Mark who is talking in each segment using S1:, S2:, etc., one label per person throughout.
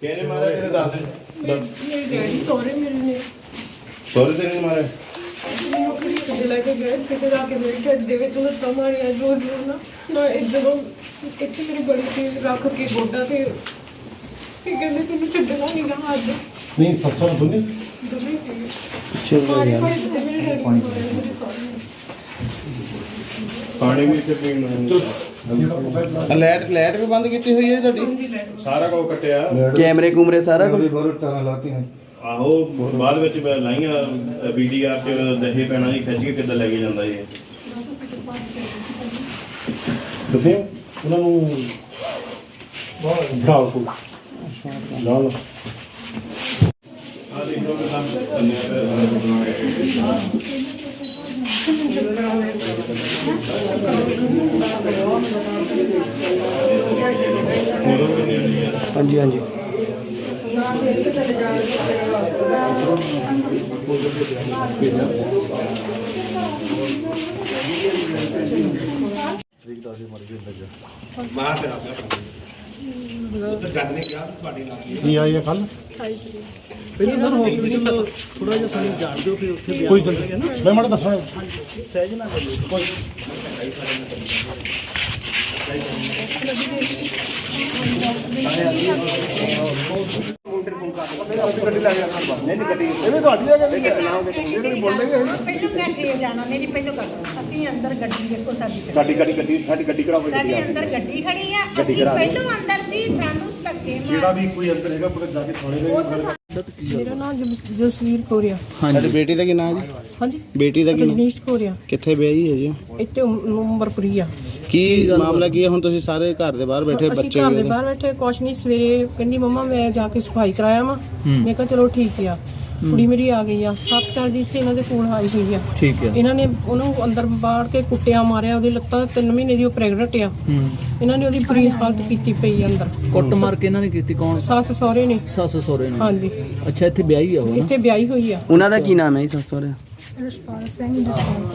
S1: ਕਿਹਨੇ ਮਾਰਿਆ? ਕਿਹਨੇ ਦੱਸ ਦੇ।
S2: ਮੇਰੇ ਡੈਡੀ ਸਹੁਰੇ ਮੇਰੇ ਨੇ
S1: ਸਹੁਰੇ ਤੇਰੇ ਨੇ ਮਾਰਿਆ?
S2: ਮੈਨੂੰ ਕੁੜੀ ਕਿਤੇ ਲੈ ਕੇ ਗਏ, ਕਿਤੇ ਜਾ ਕੇ ਮੇਰੇ ਢਿੱਡ ਦੇ ਵਿੱਚ ਲੱਤਾਂ ਮਾਰੀਆਂ ਜ਼ੋਰ ਜ਼ੋਰ ਨਾ ਇਹ ਜਦੋਂ ਇੱਥੇ ਮੇਰੀ ਬੜੀ ਚੀਜ਼ ਰੱਖ ਕੇ ਗੋਡਾ ਤੇ ਕਹਿੰਦੇ ਤੈਨੂੰ ਛੱਡਣਾ ਨਹੀਂ ਗਾ ਅੱਜ
S1: ਨਹੀਂ ਸੱਸਾਂ ਨੂੰ ਦੋਨੇ
S2: ਦੋਨੇ ਸੀਗੇ ਮਾਰੇ ਮੇਰੇ ਡੈਡੀ ਨੂੰ ਮਾਰਿਆ, ਮੇਰੇ ਸਹੁਰੇ ਨੇ।
S1: ਪਾਣੀ ਵੀ ਇੱਥੇ ਪੀਣ ਨੂੰ
S3: ਲਾਈਟ ਵੀ ਬੰਦ ਕੀਤੀ ਹੋਈ ਹੈ ਤੁਹਾਡੀ?
S1: ਸਾਰਾ ਕੁਝ ਕੱਟਿਆ।
S3: ਕੈਮਰੇ ਕੂਮਰੇ ਸਾਰਾ ਕੁਝ?
S4: ਤਾਰਾਂ ਲਾਤੀਆਂ।
S1: ਆਹੋ ਬਾਅਦ ਵਿੱਚ ਮੈਂ ਲਾਈਆਂ ਵੀਡੀਆਰ ਤੇ ਦਹੇ ਪੈਣਾ ਜੀ ਖਿੱਚ ਕੇ ਕਿੱਦਾਂ ਲੈ ਕੇ ਜਾਂਦਾ ਇਹ। ਤੁਸੀਂ ਉਹਨਾਂ ਨੂੰ ਬਿਠਾਓ ਕੋਲ ਲਾ ਲਓ। ਆ ਦੇਖੋ ਕਿ ਕੰਮ ਕਰਨੇ
S3: ਹਾਂਜੀ ਹਾਂਜੀ।
S4: ਕੀ ਆਈ ਹੈ ਕੱਲ?
S5: ਪਹਿਲਾਂ ਸਰ ਹਸਪੀਟਲ ਥੋੜਾ ਜਿਹਾ ਸਾਨੂੰ ਜਾਣ ਦਿਓ, ਫਿਰ ਉੱਥੇ
S4: ਕੋਈ ਗੱਲ ਨਹੀਂ, ਮੈਂ ਮਾੜਾ ਦੱਸਣਾ।
S5: ਸਹਿਜ ਨਾ ਕਰਿਓ ਕੋਈ।
S6: ਅਸੀਂ ਅੰਦਰ ਗੱਡੀ ਦੇਖੋ ਸਾਡੀ
S1: ਸਾਡੀ ਗੱਡੀ ਕਰਾਓ।
S6: ਸਾਡੇ ਅੰਦਰ ਗੱਡੀ ਖੜੀ ਆ, ਅਸੀਂ ਪਹਿਲੋਂ ਅੰਦਰ ਸੀ, ਸਾਨੂੰ ਧੱਕੇ
S4: ਜਿਹੜਾ ਵੀ ਕੋਈ ਅੰਦਰ ਹੈਗਾ ਪੁਲਿਸ ਜਾ ਕੇ ਥਾਣੇ ਦੇ
S2: ਮੇਰਾ ਨਾਮ ਜਸਵੀਰ ਕੋਰੀਆ।
S3: ਹਾਂਜੀ। ਬੇਟੀ ਦਾ ਕੀ ਨਾਮ ਜੀ?
S2: ਹਾਂਜੀ
S3: ਬੇਟੀ ਦਾ ਕੀ ਨਾਮ?
S2: ਰਜਨੀਸ਼ ਕੋਰੀਆ।
S3: ਕਿੱਥੇ ਵਿਆਹੀ ਹੈ ਜੀ?
S2: ਇੱਥੇ ਉਮਰਪੁਰੀ ਆ।
S3: ਕੀ ਮਾਮਲਾ ਕੀ ਹੈ? ਹੁਣ ਤੁਸੀਂ ਸਾਰੇ ਘਰ ਦੇ ਬਾਹਰ ਬੈਠੇ,
S2: ਅਸੀਂ
S3: ਬੱਚੇ
S2: ਘਰ
S3: ਵੀ
S2: ਦੇ ਬਾਹਰ ਬੈਠੇ, ਕੁਛ ਨਹੀਂ। ਸਵੇਰੇ ਕਹਿੰਦੀ ਮੰਮਾ ਮੈਂ ਜਾ ਕੇ ਸਫਾਈ ਕਰਾਇਆ ਵਾ। ਮੈਂ ਕਿਹਾ ਚਲੋ ਠੀਕ ਆ। ਕੁੜੀ ਮੇਰੀ ਆ ਗਈ ਆ 7-4 ਦਿਨ ਇੱਥੇ ਇਹਨਾਂ ਦੇ ਕੋਲ ਆਈ ਹੋਈ ਆ।
S3: ਠੀਕ ਹੈ।
S2: ਇਹਨਾਂ ਨੇ ਉਹਨੂੰ ਅੰਦਰ ਬਾੜ ਕੇ ਕੁੱਟਿਆ, ਮਾਰਿਆ। ਉਹਦੀ ਲੱਤਾਂ 3 ਮਹੀਨੇ ਦੀ ਉਹ ਪ੍ਰੈਗਨੈਂਟ ਆ। ਇਹਨਾਂ ਨੇ ਉਹਦੀ ਬੁਰੀ ਹਾਲਤ ਕੀਤੀ ਪਈ ਆ ਅੰਦਰ।
S5: ਕੁੱਟ ਮਾਰ ਕੇ ਇਹਨਾਂ ਨੇ ਕੀਤੀ? ਕੌਣ?
S2: ਸੱਸ ਸਹੁਰੇ ਨੇ।
S5: ਸੱਸ ਸਹੁਰੇ ਨੇ?
S2: ਹਾਂਜੀ।
S5: ਅੱਛਾ, ਇੱਥੇ ਵਿਆਹੀ ਆ ਉਹ ਨਾ?
S2: ਇੱਥੇ ਵਿਆਹੀ ਹੋਈ ਆ।
S3: ਉਹਨਾਂ ਦਾ ਕੀ ਨਾਮ ਹੈ ਜੀ ਸੱਸ ਸਹੁਰੇ?
S2: ਰਸ਼ਪਾਲ ਸਿੰਘ।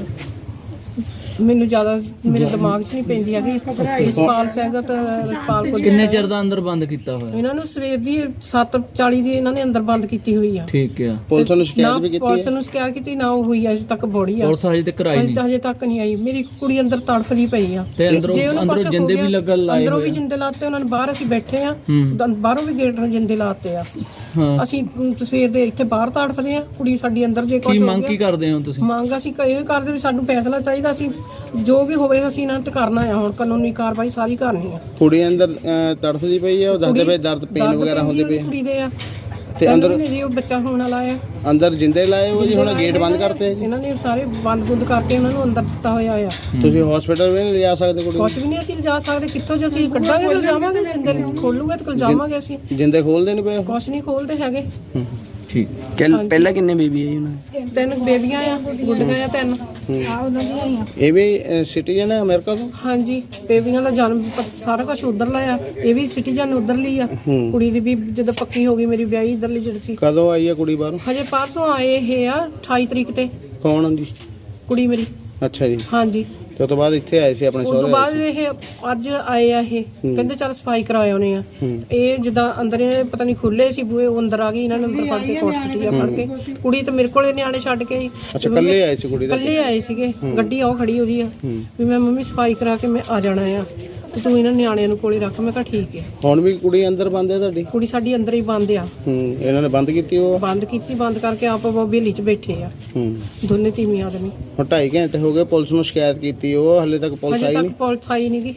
S2: ਮੈਨੂੰ ਜ਼ਿਆਦਾ ਮੇਰੇ ਦਿਮਾਗ 'ਚ ਨਹੀਂ ਪੈਂਦੀ ਹੈਗੀ। ਰਸ਼ਪਾਲ ਸਿੰਘ ਤੇ ਰਸ਼ਪਾਲ ਕੋਲ।
S5: ਕਿੰਨੇ ਚਿਰ ਦਾ ਅੰਦਰ ਬੰਦ ਕੀਤਾ ਹੋਇਆ?
S2: ਇਹਨਾਂ ਨੂੰ ਸਵੇਰ ਦੀ 7:40 ਦੀ ਇਹਨਾਂ ਨੇ ਅੰਦਰ ਬੰਦ ਕੀਤੀ ਹੋਈ ਆ।
S5: ਠੀਕ ਆ।
S3: ਪੁਲਿਸ ਨੂੰ ਸ਼ਿਕਾਇਤ ਵੀ ਕੀਤੀ
S2: ਪੁਲਿਸ
S3: ਹੈ?
S2: ਨੂੰ ਸ਼ਿਕਾਇਤ ਕੀਤੀ ਨਾ, ਉਹ ਹੋਈ ਆ ਅਜੇ ਤੱਕ ਬੋੜੀ ਆ।
S5: ਪੁਲਿਸ ਹਜੇ ਤੱਕ ਆਈ ਨਹੀਂ?
S2: ਹਜੇ ਤੱਕ ਨਹੀਂ ਆਈ। ਮੇਰੀ ਕੁੜੀ ਅੰਦਰ ਤੜਫਦੀ ਪਈ ਆ।
S5: ਤੇ ਅੰਦਰੋਂ ਜਿੰਦੇ ਵੀ ਲੱਗਣ ਲਾਏ
S2: ਅੰਦਰੋਂ
S5: ਹੋਏ
S2: ਵੀ ਜਿੰਦੇ ਲਾਤੇ ਉਹਨਾਂ ਨੇ। ਬਾਹਰ ਅਸੀਂ ਬੈਠੇ ਆ, ਬਾਹਰੋਂ ਵੀ ਗੇਟ ਨਾਲ ਜਿੰਦੇ ਲਾਤੇ ਆ।
S5: ਹਾਂ।
S2: ਅਸੀਂ ਸਵੇਰ ਦੇ ਇੱਥੇ ਬਾਹਰ ਤੜਫਦੇ ਆ। ਕੁੜੀ ਸਾਡੀ ਅੰਦਰ ਜੇ ਕੁਝ
S5: ਕੀ ਮੰਗ ਕੀ ਕਰਦੇ ਹੋ ਤੁਸੀਂ?
S2: ਮੰਗ ਅਸੀਂ ਇਹ ਕਰਦੇ ਵੀ ਸਾਨੂੰ ਫੈਸਲਾ ਚਾਹੀਦਾ। ਅਸੀਂ ਜੋ ਵੀ ਹੋਵੇ ਅਸੀਂ ਇਹਨਾਂ ਤੇ ਕਰਨਾ ਆ। ਹੁਣ ਕਾਨੂੰਨੀ ਕਾਰਵਾਈ ਸਾਰੀ ਕਰਨੀ ਆ।
S3: ਕੁੜੀ ਅੰਦਰ ਤੜਫਦੀ ਪਈ ਹੈ? ਉਹ ਦੱਸਦੇ ਪਏ ਦਰਦ ਪੇਨ ਵਗੈਰਾ ਹੁੰਦੇ ਪਏ
S2: ਕੁੜੀ ਦੇ ਆ।
S3: ਤੇ ਅੰਦਰ
S2: ਉਹ ਬੱਚਾ ਹੋਣ ਵਾਲਾ ਆ।
S3: ਅੰਦਰ ਜਿੰਦੇ ਲਾਏ ਹੋ ਜੀ? ਹੁਣ ਗੇਟ ਬੰਦ ਕਰਤੇ ਜੀ?
S2: ਇਹਨਾਂ ਨੇ ਸਾਰੇ ਬੰਦ ਕਰਕੇ ਉਹਨਾਂ ਨੂੰ ਅੰਦਰ ਦਿੱਤਾ ਹੋਇਆ ਆ।
S3: ਤੁਸੀਂ ਹਸਪੀਟਲ ਵੀ ਨਹੀਂ ਲਿਜਾ ਸਕਦੇ ਕੁੜੀ ਨੂੰ?
S2: ਕੁਛ ਵੀ ਨਹੀਂ ਅਸੀਂ ਲਿਜਾ ਸਕਦੇ। ਕਿੱਥੋਂ ਜੇ ਅਸੀਂ ਕੱਢਾਂਗੇ ਤੇ ਜਾਵਾਂਗੇ, ਜਿੰਦੇ ਖੋਲੂਗੇ ਤੇ ਜਾਵਾਂਗੇ ਅਸੀਂ।
S3: ਜਿੰਦੇ ਖੋਲਦੇ ਨਹੀਂ ਪਏ?
S2: ਕੁਛ ਨਹੀਂ ਖੋਲਦੇ ਹੈਗੇ।
S5: ਠੀਕ।
S3: ਪਹਿਲਾਂ ਕਿੰਨੇ ਬੇਬੀ ਹੈ ਜੀ ਉਹਨਾਂ ਦੇ?
S2: 3 ਬੇਬੀਆਂ ਆ, ਗੁੱਡੀਆਂ ਆ 3 ਆ ਉਹਨਾਂ ਦੀਆਂ ਹੀ ਆ।
S3: ਇਹ ਵੀ ਸਿਟੀਜ਼ਨ ਹੈ ਅਮਰੀਕਾ ਤੋਂ?
S2: ਹਾਂਜੀ। ਬੇਬੀਆਂ ਦਾ ਜਨਮ ਸਾਰਾ ਕੁਝ ਉਧਰ ਲਾਇਆ। ਇਹ ਵੀ ਸਿਟੀਜ਼ਨ ਉਧਰ ਲਈ ਆ। ਕੁੜੀ ਦੀ ਵੀ ਜਦੋਂ ਪੱਕੀ ਹੋ ਗਈ ਮੇਰੀ ਵਿਆਹੀ ਇਧਰਲੀ ਜਿਹੜੀ ਸੀ।
S3: ਕਦੋਂ ਆਈ ਹੈ ਕੁੜੀ ਬਾਹਰੋਂ?
S2: ਹਜੇ ਪਰਸੋਂ ਆਏ ਇਹ ਆ 28 ਤਰੀਕ ਤੇ।
S3: ਕੌਣ ਜੀ?
S2: ਕੁੜੀ ਮੇਰੀ।
S3: ਅੱਛਾ ਜੀ।
S2: ਹਾਂਜੀ।
S3: ਤੇ ਉਸ ਤੋਂ ਬਾਅਦ ਇੱਥੇ ਆਏ ਸੀ ਆਪਣੇ
S2: ਉਸ ਤੋਂ
S3: ਸਹੁਰੇ?
S2: ਬਾਅਦ ਇਹ ਅੱਜ ਆਏ ਆ। ਇਹ ਕਹਿੰਦੇ ਚੱਲ ਸਫਾਈ ਕਰਾਏ ਉਹਨੇ ਆ। ਇਹ ਜਿੱਦਾਂ ਅੰਦਰ ਇਹ ਪਤਾ ਨਹੀਂ ਖੁੱਲੇ ਸੀ ਬੂਹੇ, ਉਹ ਅੰਦਰ ਆ ਗਈ। ਇਹਨਾਂ ਨੇ ਅੰਦਰ ਫੜ ਕੇ ਕੋਟ ਸਿੱਟੀਆਂ ਫੜ ਕੇ। ਕੁੜੀ ਤੇ ਮੇਰੇ ਕੋਲੇ ਨਿਆਣੇ ਛੱਡ ਕੇ ਆਈ।
S3: ਅੱਛਾ, ਕੱਲੇ ਆਏ ਸੀ ਕੁੜੀ ਦਾ?
S2: ਕੱਲੇ ਆਏ ਸੀਗੇ। ਗੱਡੀ ਉਹ ਖੜੀ ਉਹਦੀ ਆ ਵੀ ਮੈਂ ਮੰਮੀ ਸਫਾਈ ਕਰਾ ਕੇ ਮੈਂ ਆ ਜਾਣਾ ਆ ਤੇ ਤੂੰ ਇਹਨਾਂ ਨਿਆਣਿਆਂ ਨੂੰ ਕੋਲੇ ਰੱਖ। ਮੈਂ ਕਿਹਾ ਠੀਕ ਹੈ।
S3: ਹੁਣ ਵੀ ਕੁੜੀ ਅੰਦਰ ਬੰਦ ਹੈ ਤੁਹਾਡੀ?
S2: ਕੁੜੀ ਸਾਡੀ ਅੰਦਰ ਹੀ ਬੰਦ ਆ।
S3: ਇਹਨਾਂ ਨੇ ਬੰਦ ਕੀਤੀ? ਉਹ
S2: ਬੰਦ ਕੀਤੀ। ਬੰਦ ਕਰਕੇ ਆਪ ਬੇਲੀ 'ਚ ਬੈਠੇ ਆ ਦੋਨੇ ਤੀਵੀਂ ਆਦਮੀ।
S3: ਹੁਣ 2.5 ਘੰਟੇ ਹੋ ਗਏ ਪੁਲਿਸ ਨੂੰ ਸ਼ਿਕਾਇਤ ਕੀਤੀ, ਉਹ ਹਲੇ ਤੱਕ ਪੁਲਿਸ ਆਈ
S2: ਹਜੇ
S3: ਨਹੀਂ?
S2: ਤੱਕ ਪੁਲਿਸ ਆਈ ਨਹੀਂ ਗੀ।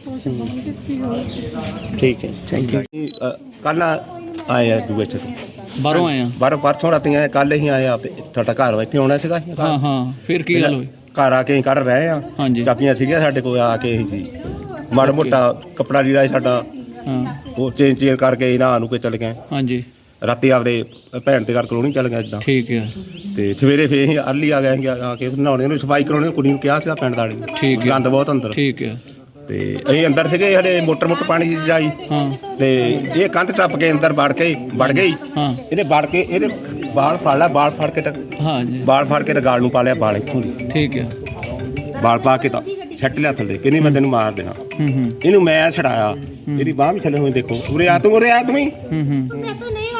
S3: ਠੀਕ ਹੈ, ਥੈਂਕ ਯੂ।
S7: ਕੱਲ ਆਏ ਆ ਦੂਏ ਚ
S5: ਬਾਹਰੋਂ ਆਏ ਆ?
S7: ਬਾਹਰੋਂ ਪਰਸੋਂ ਰਾਤੀ ਆਏ, ਕੱਲ ਹੀ ਆਏ ਆ। ਤੁਹਾਡਾ ਘਰ ਇੱਥੇ ਆਉਣਾ ਸੀਗਾ?
S5: ਹਾਂ ਹਾਂ। ਫਿਰ ਕੀ ਗੱਲ ਹੋਈ?
S7: ਘਰ ਆ ਕੇ ਕਰ ਰਹੇ ਆ।
S5: ਹਾਂਜੀ।
S7: ਚਾਬੀਆਂ ਸੀਗੀਆਂ ਸਾਡੇ ਕੋਲ। ਆ ਕੇ ਜੀ ਮਾੜਾ ਮੋਟਾ ਕੱਪੜਾ ਲੀੜਾ ਸਾਡਾ
S5: ਹਾਂ।
S7: ਉਹ ਚੇਂਜ ਕਰਕੇ ਇਹਨਾਂ ਨੂੰ ਕੇ ਚਲੇ ਗਏ।
S5: ਹਾਂਜੀ।
S7: ਰਾਤੀ ਆਪਦੇ ਭੈਣ ਦੇ ਘਰ ਕਲੋਨੀ ਚੱਲ ਗਏ ਇਦਾਂ।
S5: ਠੀਕ ਹੈ।
S7: ਤੇ ਸਵੇਰੇ ਫੇਰ ਅਸੀਂ ਅਰਲੀ ਆ ਗਏ ਆ ਕੇ ਨਹਾਉਣੇ ਨੂੰ ਸਫਾਈ ਕਰਾਉਣੀ ਕੁੜੀ ਨੂੰ ਕਿਹਾ ਸੀਗਾ ਪਿੰਡ ਵਾਲੀ।
S5: ਠੀਕ ਹੈ।
S7: ਗੰਦ ਬਹੁਤ ਅੰਦਰ।
S5: ਠੀਕ ਹੈ।
S7: ਤੇ ਅਸੀਂ ਅੰਦਰ ਸੀਗੇ ਹਲੇ ਮੋਟਰ ਪਾਣੀ ਦੀ ਜਾਈ।
S5: ਹਾਂ।
S7: ਤੇ ਇਹ ਕੰਧ ਟੱਪ ਕੇ ਅੰਦਰ ਵੜ ਗਈ।
S5: ਹਾਂ।
S7: ਇਹਨੇ ਵੜ ਕੇ ਇਹਦੇ ਬਾਲ ਫੜ ਲਿਆ। ਬਾਲ ਫੜ ਕੇ ਤਾਂ
S5: ਹਾਂ ਜੀ।
S7: ਬਾਲ ਫੜ ਕੇ ਤਾਂ ਗਾਲ ਨੂੰ ਪਾ ਲਿਆ। ਬਾਲ ਇੱਥੋਂ ਦੀ
S5: ਠੀਕ ਹੈ।
S7: ਬਾਲ ਪਾ ਕੇ ਤਾਂ ਛੱਟ ਲਿਆ ਥੱਲੇ। ਕਹਿੰਦੀ ਮੈਂ ਤੈਨੂੰ ਮਾਰ ਦੇਣਾ। ਇਹਨੂੰ ਮੈਂ ਛਡਾਇਆ। ਇਹਦੀ ਬਾਂਹ ਵੀ ਥੱਲੇ ਹੋਈ ਦੇਖੋ। ਉਰੇ ਆ ਤੂੰ ਹੀ।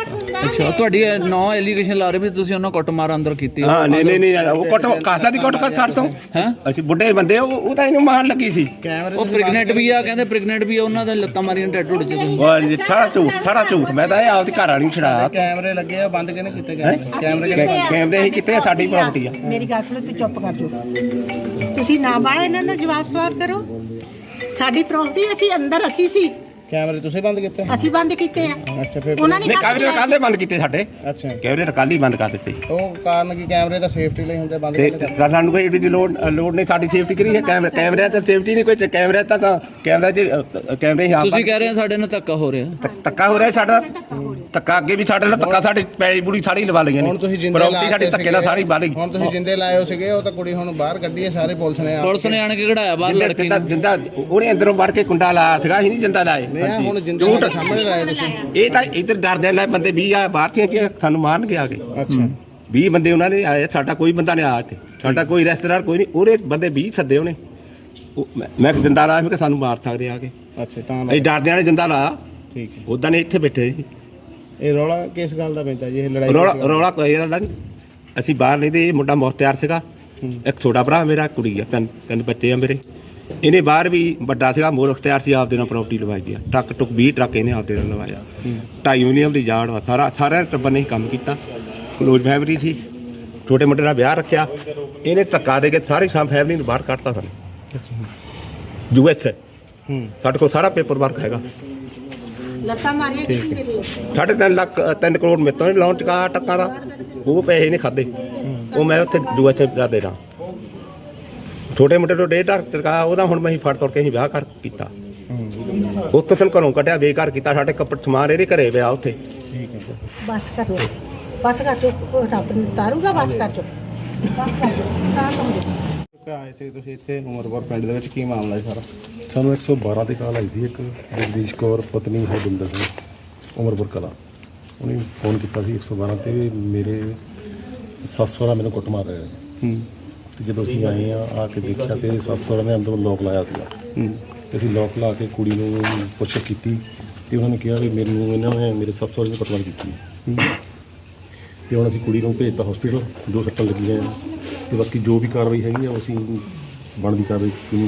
S8: ਅੱਛਾ ਤੁਹਾਡੀ ਨੌ ਐਲੀਗੇਸ਼ਨ ਲਾ ਰਹੇ ਵੀ ਤੁਸੀਂ ਉਹਨਾਂ ਕੁੱਟਮਾਰ ਅੰਦਰ ਕੀਤੀ
S7: ਹਾਂ ਨਹੀਂ ਉਹ ਕੁੱਟ ਕਾਸਾ ਦੀ ਕੁੱਟ ਛੱਡ ਤੋਂ
S8: ਹੈ
S7: ਅਸੀਂ ਬੁੱਢੇ ਬੰਦੇ ਉਹ ਤਾਂ ਇਹਨੂੰ ਮਾਰਨ ਲੱਗੀ ਸੀ।
S8: ਉਹ ਪ੍ਰੈਗਨੈਂਟ ਵੀ ਆ ਕਹਿੰਦੇ ਪ੍ਰੈਗਨੈਂਟ ਵੀ ਆ ਉਹਨਾਂ ਦੇ ਲੱਤਾਂ ਮਾਰੀਆਂ ਟੈਟੂ ਢੁੱਡ ਚ ਤੁਸੀਂ
S7: ਉਹ ਸਾਰਾ ਝੂਠ ਮੈਂ ਤਾਂ ਇਹ ਆਪਦੀ ਘਰ ਵਾਲੀ ਛੜਾਇਆ।
S3: ਕੈਮਰੇ ਲੱਗੇ ਆ, ਬੰਦ ਕਿਹਨੇ ਕੀਤੇ ਗਏ?
S7: ਕੈਮਰੇ ਹੀ ਕਿਤੇ ਸਾਡੀ ਪ੍ਰਾਪਰਟੀ ਆ।
S9: ਮੇਰੀ ਗੱਲ ਸੁਣੋ, ਤੂੰ ਚੁੱਪ ਕਰ ਜਾਓ। ਤੁਸੀਂ ਨਾ ਬਾਲਾ ਇਹਨਾਂ ਦਾ ਜਵਾਬ ਸਵਾਲ ਕਰੋ। ਸਾਡੀ ਪ੍ਰਾਪਰਟੀ ਅਸੀਂ ਸੀ
S3: ਕੈਮਰੇ ਤੁਸੀਂ ਬੰਦ ਕੀਤੇ?
S9: ਅਸੀਂ ਬੰਦ ਕੀਤੇ ਆ।
S3: ਅੱਛਾ ਫਿਰ
S9: ਉਹਨਾਂ ਨੇ
S7: ਨਹੀਂ ਕੈਮਰੇ ਕੱਲ੍ਹ ਬੰਦ ਕੀਤੇ ਸਾਡੇ।
S3: ਅੱਛਾ
S7: ਕੈਮਰੇ ਕੱਲ੍ਹ ਹੀ ਬੰਦ ਕਰ ਦਿੱਤੇ।
S3: ਉਹ ਕਾਰਨ ਕੀ? ਕੈਮਰੇ ਤਾਂ ਸੇਫਟੀ ਲਈ ਹੁੰਦੇ, ਬੰਦ
S7: ਤੇ
S3: ਕਿਹਨੇ
S7: ਸਾਨੂੰ ਕੋਈ ਇਹਦੀ ਲੋੜ ਨਹੀਂ, ਸਾਡੀ ਸੇਫਟੀ ਕਰੀ ਹੈ। ਕੈਮਰਿਆਂ ਤੇ ਸੇਫਟੀ ਨਹੀਂ ਕੋਈ। ਕੈਮਰੇ ਤਾਂ ਕੈਮਰਾ ਕੈਮਰੇ ਹੀ
S8: ਤੁਸੀਂ ਕਹਿ ਰਹੇ ਹੋ ਸਾਡੇ ਨਾਲ ਧੱਕਾ ਹੋ ਰਿਹਾ।
S7: ਧੱਕਾ ਹੋ ਰਿਹਾ ਸਾਡਾ। ਧੱਕਾ ਅੱਗੇ ਵੀ ਸਾਡੇ ਨਾਲ ਧੱਕਾ, ਸਾਡੀ ਪੈਲੀ ਬੁੜੀ ਸਾਰੀ ਲਵਾ ਲਈਆਂ ਨੇ।
S3: ਹੁਣ ਤੁਸੀਂ ਜਿੰਦੇ
S7: ਪ੍ਰਾਪਰਟੀ ਸਾਡੀ ਧੱਕੇ ਨਾਲ ਸਾਰੀ ਬਾਲੀ।
S3: ਹੁਣ ਤੁਸੀਂ ਜਿੰਦੇ ਲਾਏ ਹੋ ਸੀਗੇ, ਉਹ ਤਾਂ ਕੁੜੀ ਹੁਣ ਬਾਹਰ ਕੱਢੀ ਹੈ, ਸਾਰੇ ਪੁਲਿਸ ਨੇ
S8: ਆਣ ਕੇ ਕਢਾਇਆ ਬਾਹਰ ਲੜਕੀ ਨੂੰ।
S7: ਜਿੰਦਾ ਉਹਨੇ ਅੰਦਰੋਂ ਵੜ ਕੇ ਕੁੰਡਾ ਲਾਇਆ ਸੀਗਾ, ਅਸੀਂ ਨਹੀਂ ਜਿੰਦਾ ਲਾਏ।
S3: ਨਹੀਂ ਹੁਣ ਜਿੰਦੇ ਤੁਹਾਡੇ ਸਾਹਮਣੇ ਲਾਏ ਤੁਸੀਂ।
S7: ਇਹ ਤਾਂ ਇੱਧਰ ਡਰਦੇ ਲੈ ਬੰਦੇ 20 ਆ ਬਾਹਰ ਤੇ ਕਿ ਸਾਨੂੰ ਮਾਰਨਗੇ ਆ ਕੇ।
S3: ਅੱਛਾ
S7: 20 ਬੰਦੇ ਉਹਨਾਂ ਨੇ ਆਏ, ਸਾਡਾ ਕੋਈ ਬੰਦਾ ਨਹੀਂ ਆਇਆ ਇੱਥੇ। ਸਾਡਾ ਕੋਈ ਰਿਸ਼ਤੇਦਾਰ ਕੋਈ ਨਹੀਂ। ਉਹਦੇ ਬੰਦੇ 20 ਸੱਦੇ ਉਹਨੇ। ਮੈਂ ਜਿੰਦਾ ਲਾਇਆ ਕਿ ਸਾਨੂੰ ਮਾਰ ਸਕਦੇ ਆ ਕੇ।
S3: ਅੱਛਾ ਤਾਂ
S7: ਅਸੀਂ ਡਰਦਿਆਂ ਨੇ ਜਿੰਦਾ ਲਾਇਆ।
S3: ਠੀਕ ਹੈ।
S7: ਉਦਾਂ ਨੇ ਇੱਥੇ ਬੈਠੇ ਸੀ।
S3: ਇਹ ਰੌਲਾ ਕਿਸ ਗੱਲ ਦਾ ਪੈਂਦਾ ਜੀ? ਇਹ ਲੜਾਈ
S7: ਰੌਲਾ ਕੋਈ ਗੱਲ ਨਹੀਂ। ਅਸੀਂ ਬਾਹਰ ਨਹੀਂ ਤੇ ਇਹ ਮੁੰਡਾ ਮੁਖਤਿਆਰ ਸੀਗਾ। ਇੱਕ ਛੋਟਾ ਭਰਾ ਮੇਰਾ, ਕੁੜੀ ਆ, ਤਿੰਨ ਬੱਚੇ ਆ ਮੇਰੇ। ਇਹਨੇ ਬਾਹਰ ਵੀ ਵੱਡਾ ਸੀਗਾ, ਮੁਖਤਿਆਰ ਸੀ, ਆਪਦੇ ਨਾਲ ਪ੍ਰਾਪਰਟੀ ਲਵਾਈ ਗਿਆ। ਟਰੱਕ 20 ਟਰੱਕ ਇਹਨੇ ਆਪਦੇ ਨਾਲ ਲਵਾਇਆ। 2.5 ਯੂਨੀਅਮ ਦੀ ਜਾੜ ਵਾ। ਸਾਰਾ ਟੱਬਰ ਨੇ ਕੰਮ ਕੀਤਾ। ਕਲੋਜ਼ ਫੈਮਿਲੀ ਸੀ। ਛੋਟੇ ਮੁੰਡੇ ਦਾ ਵਿਆਹ ਰੱਖਿਆ। ਇਹਨੇ ਧੱਕਾ ਦੇ ਕੇ ਸਾਰੀ ਫੈਮਿਲੀ ਨੂੰ ਬਾਹਰ ਕੱਢਤਾ ਸਾਨੂੰ। US ਸਾਡੇ ਕੋਲ ਸਾਰਾ ਪੇਪਰ ਵਰਕ ਹੈਗਾ।
S9: ਲੱਤਾਂ ਮਾਰੀਆਂ ਕਿਸੇ ਮੇਰੇ।
S7: 3.5 ਕਰੋੜ ਮੇਰੇ ਤੋਂ ਲੋਨ ਚੁਕਾ ਟੱਕਾ ਦਾ। ਉਹ ਪੈਸੇ ਨਹੀਂ ਖਾਦੇ। ਉਹ ਮੈਂ ਉੱਥੇ US ਦਾ ਦੇਣਾ। ਛੋਟੇ ਮੁੰਡੇ ਤੋਂ 1.5 ਲੱਖ ਟਕਾ ਉਹਦਾ ਹੁਣ ਮੈਂ ਫੜ ਤੋੜ ਕੇ ਅਸੀਂ ਵਿਆਹ ਕਰ ਕੀਤਾ। ਉੱਥੇ ਸਾਨੂੰ ਘਰੋਂ ਕੱਢਿਆ, ਬੇਕਾਰ ਕੀਤਾ। ਸਾਡੇ ਕੱਪੜੇ ਸਮਾਨ ਇਹਦੇ ਘਰੇ ਪਿਆ ਉੱਥੇ।
S3: ਠੀਕ ਹੈ।
S9: ਬਸ ਕਰੋ, ਬਸ ਕਰ ਚੋ। ਰੱਬ ਨੇ ਤਾਰੂਗਾ, ਬਸ ਕਰ ਚੋ, ਬਸ ਕਰ ਚੋ। ਤਾਂ ਸਮਝੋ।
S3: ਆਏ ਸੀ ਤੁਸੀਂ ਇੱਥੇ ਉਮਰਪੁਰ ਪਿੰਡ ਦੇ ਵਿੱਚ, ਕੀ ਮਾਮਲਾ ਹੈ ਸਾਰਾ?
S4: ਸਾਨੂੰ 112 ਤੇ ਕਾਲ ਆਈ ਸੀ। ਇੱਕ ਜਗਦੀਸ਼ ਕੌਰ ਪਤਨੀ ਹੈ ਬਿੰਦਰ ਸਿੰਘ, ਉਮਰਪੁਰ ਕਲਾ। ਉਹਨੇ ਫੋਨ ਕੀਤਾ ਸੀ 112 ਤੇ, ਮੇਰੇ ਸੱਸ ਸਹੁਰਾ ਮੈਨੂੰ ਕੁੱਟ ਮਾਰ ਰਿਹਾ। ਤੇ ਜਦੋਂ ਅਸੀਂ ਆਏ ਆ ਕੇ ਦੇਖਿਆ ਤੇ ਸੱਸ ਸਹੁਰਾ ਨੇ ਅੰਦਰੋਂ ਲੋਕ ਲਾਇਆ ਸੀਗਾ। ਤੇ ਅਸੀਂ ਲੋਕ ਲਾ ਕੇ ਕੁੜੀ ਨੂੰ ਪੁੱਛ ਕੀਤੀ ਤੇ ਉਹਨਾਂ ਨੇ ਕਿਹਾ ਵੀ ਮੈਨੂੰ ਇਹਨਾਂ ਨੇ ਮੇਰੇ ਸੱਸ ਸਹੁਰੇ ਨੇ ਕੁੱਟਮਾਰ ਕੀਤੀ। ਤੇ ਹੁਣ ਅਸੀਂ ਕੁੜੀ ਨੂੰ ਭੇਜਤਾ ਹਸਪੀਟਲ, 2 ਸੱਟਾਂ ਲੱਗੀਆਂ ਤੇ ਬਾਕੀ ਜੋ ਵੀ ਕਾਰਵਾਈ ਹੈਗੀ ਆ ਉਹ ਅਸੀਂ ਬਣਦੀ ਕਾਰਵਾਈ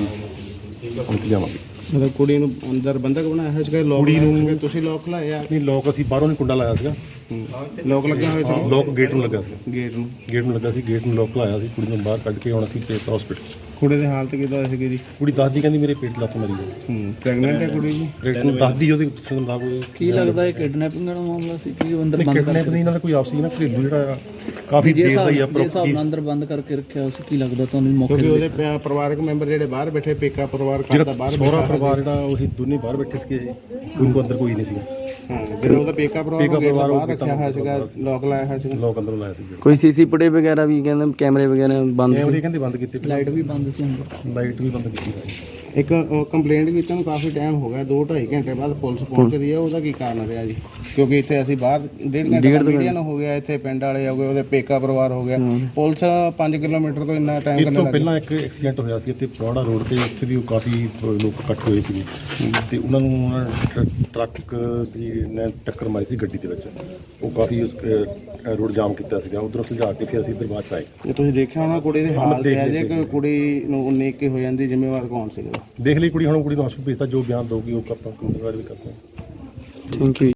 S4: ਕੀਤੀ ਜਾਵਾਂਗੇ।
S3: ਮਤਲਬ ਕੁੜੀ ਨੂੰ ਅੰਦਰ ਬੰਦਕ ਬਣਾਇਆ ਹੋਇਆ ਸੀਗਾ? ਲੋਕ
S4: ਕੁੜੀ ਨੂੰ
S3: ਤੁਸੀਂ ਲੋਕ ਲਾਇਆ?
S4: ਨਹੀਂ, ਲੋਕ ਅਸੀਂ ਬਾਹਰੋਂ ਨਹੀਂ ਕੁੰਡਾ ਲਾਇਆ ਸੀਗਾ।
S3: ਲੋਕ ਲੱਗੇ ਹੋਏ ਸੀ?
S4: ਲੋਕ ਗੇਟ ਨੂੰ ਲੱਗਾ ਸੀ।
S3: ਗੇਟ ਨੂੰ
S4: ਲੱਗਾ ਸੀ। ਗੇਟ ਨੂੰ ਲੋਕ ਲਾਇਆ ਸੀ। ਕੁੜੀ ਨੂੰ ਬਾਹਰ ਕੱਢ ਕੇ ਹੁਣ ਅਸੀਂ ਭੇਜਤਾ ਹਸਪੀਟਲ।
S3: ਕੁੜੀ ਦੀ ਹਾਲਤ ਕਿੱਦਾਂ ਸੀਗੀ ਜੀ?
S4: ਕੁੜੀ ਦੱਸਦੀ ਕਹਿੰਦੀ ਮੇਰੇ ਪੇਟ 'ਚ ਲੱਤ ਮਾਰੀ ਹੈ।
S3: ਪ੍ਰੈਗਨੈਂਟ ਹੈ ਕੁੜੀ ਜੀ?
S4: ਪੇਟ ਨੂੰ ਦੱਸਦੀ ਉਹਦੇ ਸੰਗ ਕੋਈ
S8: ਕੀ ਲੱਗਦਾ ਇਹ ਕਿਡਨੈਪਿੰਗ ਦਾ ਮਾਮਲਾ ਸੀ ਕਿ ਅੰਦਰ ਬੰਦ
S4: ਕਿਡਨੈਪ ਨਹੀਂ, ਨਾਲ ਕੋਈ ਆਪਸੀ ਨਾ ਘਰੇਲੂ ਜਿਹੜਾ ਆ ਕਾਫੀ ਦੇਰ ਦਾ ਹੀ ਆ।
S8: ਹਿਸਾਬ ਨਾਲ ਅੰਦਰ ਬੰਦ ਕਰਕੇ ਰੱਖਿਆ ਸੀ। ਕੀ ਲੱਗਦਾ ਤੁਹਾਨੂੰ ਮੌਕੇ
S3: ਕਿਉਂਕਿ ਉਹਦੇ ਪਰਿਵਾਰਕ ਮੈਂਬਰ ਜਿਹੜੇ ਬਾਹਰ ਬੈਠੇ, ਪੇਕਾ ਪਰਿਵਾਰ
S4: ਜਿਹੜਾ
S3: ਬਾਹਰ
S4: ਸਹੁਰਾ ਪਰਿਵਾਰ ਜਿਹੜਾ ਉਹੀ ਦੋਨੇ ਬਾਹਰ ਬੈਠੇ ਸੀਗੇ। ਕੋਈ ਕੋ ਅੰਦਰ ਕੋਈ ਨਹੀਂ ਸੀਗਾ।
S3: ਜਿਹੜਾ ਉਹਦਾ ਪੇਕਾ ਪਰਿਵਾਰ ਬਾਹਰ ਰੱਖਿਆ ਹੋਇਆ ਸੀਗਾ, ਲੋਕ ਲਾਇਆ ਹੋਇਆ ਸੀਗਾ।
S4: ਲੋਕ ਅੰਦਰੋਂ ਲਾਇਆ ਸੀ।
S5: ਕੋਈ ਸੀਸੀ ਫੁਟੇਜ ਵਗੈਰਾ ਵੀ ਕਹਿੰਦੇ ਕੈਮਰੇ ਵਗੈਰਾ ਬੰਦ
S4: ਕੈਮਰੇ ਕਹਿੰਦੇ ਬੰਦ ਕੀਤੇ।
S8: ਲਾਈਟ ਵੀ ਬੰਦ ਸੀ ਅੰਦਰ।
S4: ਲਾਈਟ ਵੀ ਬੰਦ ਕੀਤੀ ਹੋਈ।
S3: ਇੱਕ ਕੰਪਲੇਂਟ ਕੀਤੀ ਨੂੰ ਕਾਫੀ ਟਾਈਮ ਹੋ ਗਿਆ, 2-2.5 ਘੰਟੇ ਬਾਅਦ ਪੁਲਿਸ ਪਹੁੰਚ ਰਹੀ ਹੈ। ਉਹਦਾ ਕੀ ਕਾਰਨ ਰਿਹਾ ਜੀ? ਕਿਉਂਕਿ ਇੱਥੇ ਅਸੀਂ ਬਾਹਰ 1.5 ਘੰਟੇ ਮੀਡੀਆ ਨੂੰ ਹੋ ਗਿਆ, ਇੱਥੇ ਪਿੰਡ ਵਾਲੇ ਹੋ ਗਏ, ਉਹਦੇ ਪੇਕਾ ਪਰਿਵਾਰ ਹੋ ਗਿਆ। ਪੁਲਿਸ 5 ਕਿਲੋਮੀਟਰ ਤੋਂ ਇੰਨਾ ਟਾਈਮ
S4: ਇਸ ਤੋਂ ਪਹਿਲਾਂ ਇੱਕ ਐਕਸੀਡੈਂਟ ਹੋਇਆ ਸੀ ਇੱਥੇ ਪਰੌੜਾ ਰੋਡ ਤੇ। ਉੱਥੇ ਵੀ ਕਾਫੀ ਲੋਕ ਇਕੱਠ ਹੋਏ ਸੀ ਤੇ ਉਹਨਾਂ ਨੂੰ ਟਰੱਕ ਦੀ ਨੇ ਟੱਕਰ ਮਾਰੀ ਸੀ ਗੱਡੀ ਦੇ ਵਿੱਚ। ਉਹ ਕਾਫੀ ਰੋਡ ਜਾਮ ਕੀਤਾ ਸੀਗਾ। ਉਧਰੋਂ ਸੁਝਾ ਕੇ ਫਿਰ ਅਸੀਂ ਇੱਧਰ ਬਾਅਦ 'ਚ ਆਏ।
S3: ਜੇ ਤੁਸੀਂ ਦੇਖਿਆ ਹੋਣਾ ਕੁੜੀ ਦੀ ਹਾਲਤ ਹੈ ਜੇ ਕਿ ਕੁੜੀ ਨੂੰ 19 ਕੀ ਹੋ ਜਾਂਦੀ, ਜ਼ਿੰਮੇਵਾਰ ਕੌਣ ਸੀਗਾ?
S4: ਦੇਖ ਲਈ ਕੁੜੀ, ਹੁਣ ਕੁੜੀ ਨੂੰ ਹਸਪਤਾਲ ਭੇਜਤਾ। ਜੋ ਬਿਆਨ ਦਊਗੀ ਉਹ ਆਪਾਂ ਕਾਰਵਾਈ ਵੀ ਕਰਦੇ ਹਾਂ।
S5: Thank you.